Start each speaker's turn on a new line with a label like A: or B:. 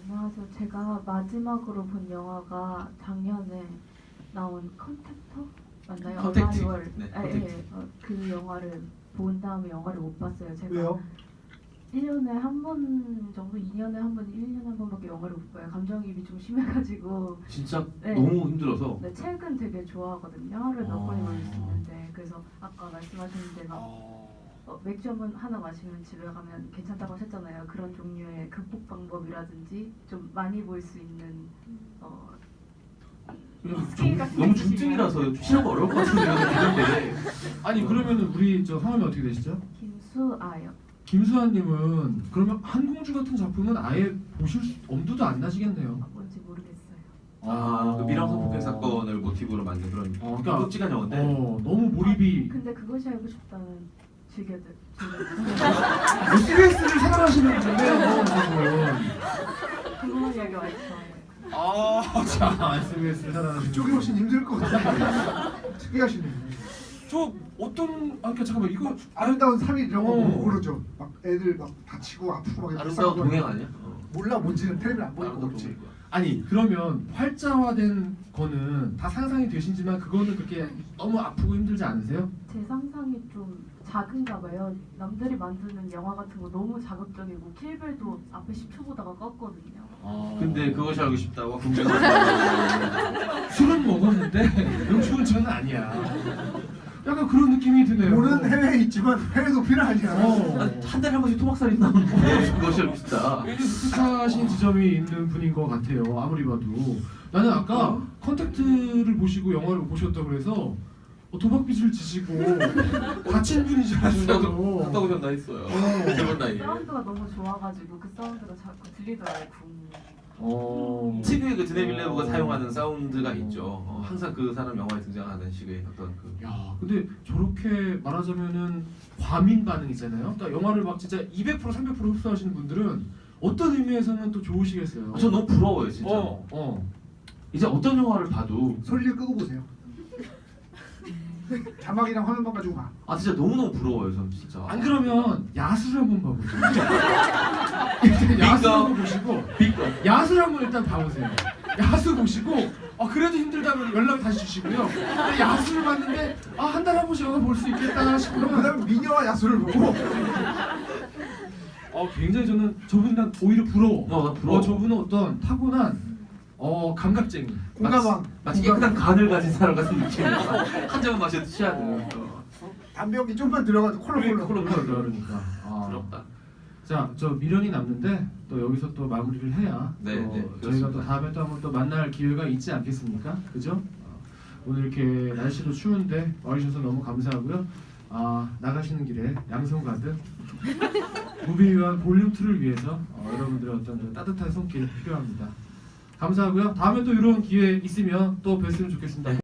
A: 안녕하세요. 제가 마지막으로 본 영화가 작년에 나온 컨택터 맞나요?
B: 컨택트.
A: 어라이벌.
B: 네,
A: 아,
B: 컨택트.
A: 예, 그 영화를 본 다음에 영화를 못 봤어요. 제가
C: 왜요?
A: 1년에 한 번 정도, 2년에 한 번, 1년에 한 번밖에 영화를 못 봐요. 감정이입이 좀 심해가지고.
B: 진짜
A: 네.
B: 너무 힘들어서.
A: 네, 책은 되게 좋아하거든요. 하루에 몇
B: 아.
A: 번이 걸릴 수 있는데. 그래서 아까 말씀하신 대로 맥주 한 번 하나 마시면 집에 가면 괜찮다고 하셨잖아요. 그런 종류의 극복 방법이라든지 좀 많이 볼 수 있는 스킬 같은 게
B: 너무
A: 있으시면.
B: 중증이라서 취하고 어려울 것 같은데 이런 느낌인데.
D: 아니 그러면 우리 저 성함이 어떻게 되시죠?
A: 김수아요.
D: 김수아님은 그러면 한공주 같은 작품은 아예 보실 엄두도 안 나시겠네요.
A: 뭔지 모르겠어요.
B: 그 미랑선 폭행 사건을 모티브로 만든 그런
D: 그러니까
B: 끔찍한 영화인데.
D: 너무 몰입이.
A: 근데 그것이 알고 싶다는 즐겨들.
D: SBS를 사랑하시는 분인데요, 지금.
A: 궁금한 이야기 많이 좋아해요.
D: 자, SBS를 사랑하시는.
C: 그쪽이 훨씬 힘들 것 같아요. 특이하시네.
D: 저 어떤 그러니까 잠깐만 이거
C: 아름다운 3일 이런 거
D: 어.
C: 못 고르죠. 막 애들 막 다치고 아프고 막 이렇게
B: 아름다운
C: 싸우고
B: 동행 아니야?
C: 몰라 뭔지는 텔레비전 안 보니까
B: 아름다운
C: 모르지.
B: 동행.
D: 아니 그러면 활자화된 거는 다 상상이 되시지만 그거는 그렇게 너무 아프고 힘들지 않으세요?
A: 제 상상이 좀 작은가 봐요. 남들이 만드는 영화 같은 거 너무 자극적이고 킬벨도 앞에 10초 보다가 껐거든요.
B: 근데 그것이 알고 싶다고 긍정한다.
D: 술은 먹었는데 음주운전은 아니야. 약간 그런 느낌이 드네요.
C: 모르는 해외에 있지만 해외 도피는 아니야.
B: 한 달에 한 번씩 토막살이 나오는데 그것이 알고 싶다.
D: 굉장히 풋풋하신 지점이 있는 분인 것 같아요. 아무리 봐도. 나는 아까 컨택트를 보시고 영화를 보셨다고 그래서 도박빚을 지시고 다친 분인 줄
B: 갔다
D: 알았어요.
B: 오셨나 했어요. 저번 나이에.
A: 사운드가 너무 좋아가지고 그 사운드가 자꾸 들리더라고요.
B: 특유의 그 드네빌레브가 사용하는 사운드가 있죠. 항상 그 사람 영화에 등장하는 식의 어떤 그.
D: 야, 근데 저렇게 말하자면은 과민 반응이잖아요. 그러니까 영화를 막 진짜 200% 300% 흡수하시는 분들은 어떤 의미에서는 또 좋으시겠어요.
B: 저 너무 부러워요 진짜. 이제 어떤 영화를 봐도
C: 소리를 끄고 보세요. 자막이랑 화면만 가지고 봐.
B: 진짜 너무 부러워요 전 진짜.
D: 안 그러면 야수를 한번 봐보세요. 일단 야수 한번 보시고 야수를 한번 일단 봐보세요. 야수 보시고 그래도 힘들다면 연락 다시 주시고요. 근데 야수를 봤는데 한 달에 한 번씩 영화 볼 수 있겠다
C: 그럼
D: 싶으면
C: 그다음에 미녀와 야수를 보고
D: 굉장히 저는 저분은 오히려 부러워.
B: 난 부러워.
D: 저분은 어떤 타고난 감각쟁이.
C: 공감왕.
B: 마치 깨끗한 간을 가진 사람 같은 느낌이야. 한 잔만 마셔도 취하는.
C: 담배 연기 좀만 들어가도 콜록콜록.
D: 그러니까.
B: 부럽다.
D: 자, 저 미련이 남는데 또 여기서 또 마무리를 해야
B: 네,
D: 또
B: 네,
D: 저희가
B: 그렇습니다.
D: 또 다음에 또 한번 또 만날 기회가 있지 않겠습니까? 그죠? 오늘 이렇게 날씨도 추운데 와주셔서 너무 감사하고요. 나가시는 길에 양손 가득 무비위한 볼륨 2를 위해서 여러분들의 어떤 좀 따뜻한 손길 필요합니다. 감사하고요. 다음에 또 이런 기회 있으면 또 뵀으면 좋겠습니다.